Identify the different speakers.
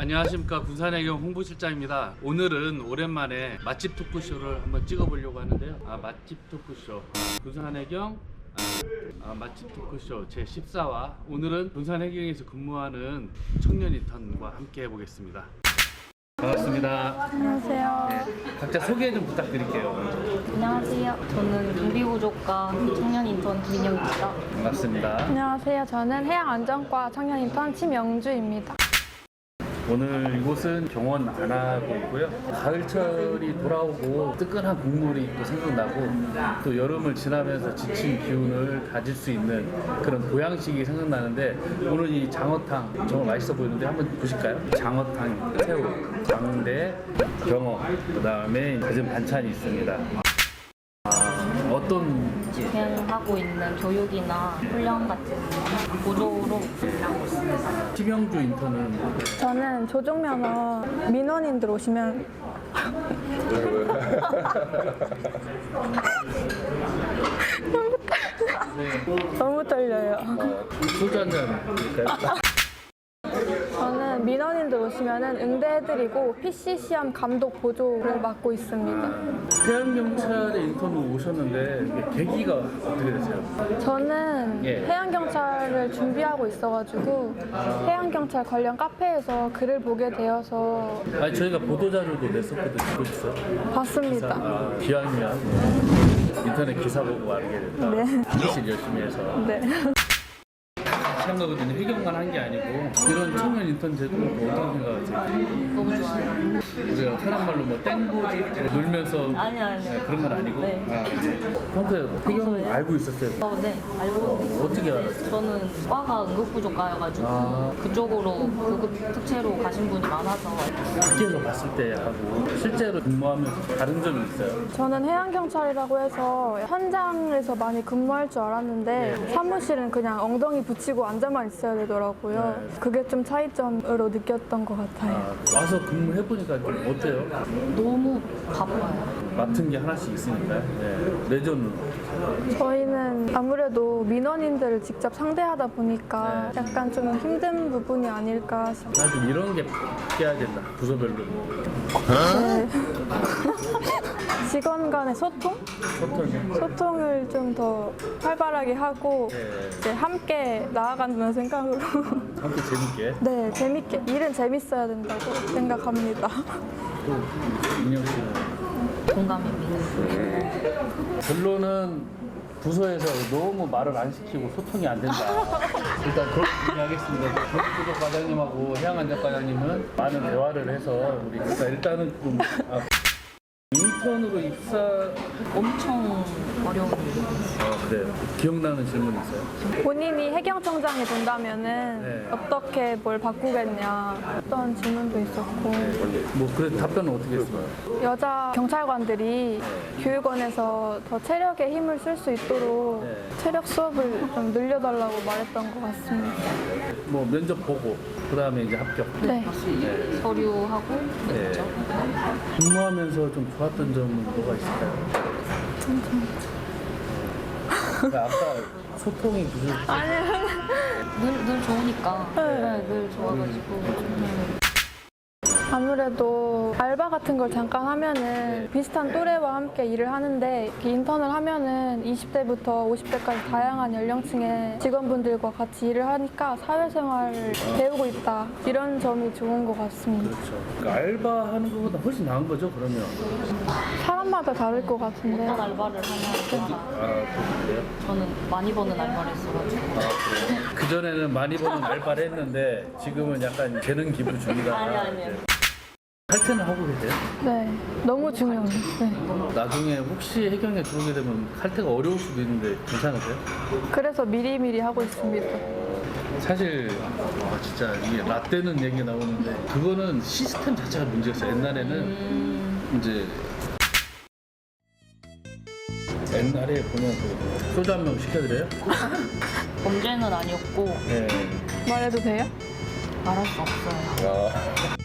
Speaker 1: 안녕하십니까, 군산해경 홍보실장입니다. 오늘은 오랜만에 맛집 토크쇼를 한번 찍어보려고 하는데요. 맛집 토크쇼 군산해경 맛집 토크쇼 제14화. 오늘은 군산해경에서 근무하는 청년 인턴과 함께 해보겠습니다. 반갑습니다.
Speaker 2: 안녕하세요.
Speaker 1: 네, 각자 소개 좀 부탁드릴게요.
Speaker 2: 안녕하세요. 저는 경비구조과 청년 인턴 김인영입니다.
Speaker 1: 반갑습니다.
Speaker 2: 안녕하세요. 저는 해양안전과 청년 인턴 심영주입니다.
Speaker 1: 오늘 이곳은 경원 안하고이고요. 가을철이 돌아오고 뜨끈한 국물이 또 생각나고, 또 여름을 지나면서 지친 기운을 가질 수 있는 그런 보양식이 생각나는데, 오늘 이 장어탕 정말 맛있어 보이는데 한번 보실까요? 장어탕, 새우, 장대, 경어, 그 다음에 가진 반찬이 있습니다. 어떤
Speaker 2: 집행하고 있는 교육이나 훈련 같은 구조로 일하고 있습니다.
Speaker 1: 심영주 인턴은
Speaker 3: 저는 조종면허 민원인들 오시면 너무 떨려요.
Speaker 1: 소주 한잔 드릴까요?
Speaker 3: 저는 민원인들 오시면은 응대해드리고 PC 시험 감독 보조를 맡고 있습니다.
Speaker 1: 해양경찰에 인턴으로 오셨는데 이게 계기가 어떻게 되세요?
Speaker 3: 저는
Speaker 1: 예.
Speaker 3: 해양경찰을 준비하고 있어가지고 해양경찰 관련 카페에서 글을 보게 되어서
Speaker 1: 아니, 저희가 보도자료도 냈었거든요. 보셨어요?
Speaker 3: 봤습니다.
Speaker 1: 기왕이면 인터넷 기사 보고 알게 됐다.
Speaker 3: 네.
Speaker 1: 일실 열심히 해서
Speaker 3: 네.
Speaker 1: 같이 한 거거든요. 해경만 한 게 아니고. 이런 청년 인턴 제도도 어떤 생각하세요?
Speaker 2: 너무 좋습니다.
Speaker 1: 우리가 사람 말로 뭐 땡보지 놀면서
Speaker 2: 아니요.
Speaker 1: 네, 그런 건 아니고.
Speaker 2: 네.
Speaker 1: 평소에 해경 알고 있었어요?
Speaker 2: 네, 알고
Speaker 1: 어떻게 알았어요?
Speaker 2: 저는 과가 응급구조과여가지고 그쪽으로 구급 특채로 가신 분이 많아서
Speaker 1: 밖에서 봤을 때 하고 실제로 근무하면서 다른 점이 있어요?
Speaker 3: 저는 해양경찰이라고 해서 현장에서 많이 근무할 줄 알았는데 사무실은 그냥 엉덩이 붙이고 앉아만 있어야 되더라고요.
Speaker 1: 네.
Speaker 3: 그게 좀 차이점으로 느꼈던 것 같아요.
Speaker 1: 와서 근무해보니까 좀 어때요?
Speaker 2: 너무 바빠요.
Speaker 1: 맡은 게 하나씩 있으니까요. 네. 내전은
Speaker 3: 저희는 아무래도 민원인들을 직접 상대하다 보니까
Speaker 1: 네.
Speaker 3: 약간 좀 힘든 부분이 아닐까 싶어요.
Speaker 1: 좀 이런 게 바뀌어야 된다. 부서별로
Speaker 3: 네. 직원 간의 소통을 좀 더 활발하게 하고
Speaker 1: 네.
Speaker 3: 이제 함께 나아간다는 생각으로
Speaker 1: 함께 재밌게.
Speaker 3: 네, 재밌게 일은 재밌어야 된다고 생각합니다.
Speaker 1: 또 민영 씨는
Speaker 2: 공감입니다.
Speaker 1: 결론은 부서에서 너무 말을 안 시키고 소통이 안 된다. 일단 그렇게 하겠습니다. 경기구조 과장님하고 해양안전 과장님은 많은 대화를 해서 우리 일단은 좀 인턴으로 입사.
Speaker 2: 엄청 어려운 일이에요.
Speaker 1: 그래요. 기억나는 질문 있어요?
Speaker 3: 본인이 해경청장이 된다면은
Speaker 1: 네.
Speaker 3: 어떻게 뭘 바꾸겠냐 어떤 질문도 있었고
Speaker 1: 뭐 그래도 답변은 어떻게 했어요?
Speaker 3: 여자 경찰관들이 교육원에서 더 체력에 힘을 쓸 수 있도록
Speaker 1: 네.
Speaker 3: 체력 수업을 좀 늘려달라고 말했던 것 같습니다.
Speaker 1: 뭐 면접 보고 그 다음에 이제 합격.
Speaker 3: 네.
Speaker 2: 서류하고
Speaker 1: 네.
Speaker 2: 면접.
Speaker 1: 근무하면서 좀 좋았던 점은 뭐가 있을까요? 아까 소통이 부족해.
Speaker 2: 늘 좋으니까.
Speaker 3: 네.
Speaker 2: 늘 좋아가지고.
Speaker 3: 아무래도 알바 같은 걸 잠깐 하면은 비슷한 또래와 함께 일을 하는데 이렇게 인턴을 하면은 20대부터 50대까지 다양한 연령층의 직원분들과 같이 일을 하니까 사회생활을 배우고 있다 이런 점이 좋은 것 같습니다.
Speaker 1: 그렇죠. 그러니까 알바하는 것보다 훨씬 나은 거죠, 그러면?
Speaker 3: 사람마다 다를 것 같은데
Speaker 2: 어떤 알바를 하면
Speaker 1: 그래요?
Speaker 2: 저는 많이 버는 알바를 했어가지고.
Speaker 1: 그래요? 그전에는 많이 버는 알바를 했는데 지금은 약간 재능 기부 중이다.
Speaker 2: 아니요.
Speaker 1: 칼퇴는 하고 계세요?
Speaker 3: 네, 너무 중요해요. 네.
Speaker 1: 나중에 혹시 해경에 들어오게 되면 칼퇴가 어려울 수도 있는데 괜찮으세요?
Speaker 3: 그래서 미리미리 하고 있습니다.
Speaker 1: 사실 진짜 이게 라떼는 얘기 나오는데 그거는 시스템 자체가 문제였어요. 옛날에는 이제 옛날에 보면 그 소주 한 명 시켜드려요?
Speaker 2: 범죄는 아니었고
Speaker 1: 네.
Speaker 3: 말해도 돼요?
Speaker 2: 말할 수 없어요.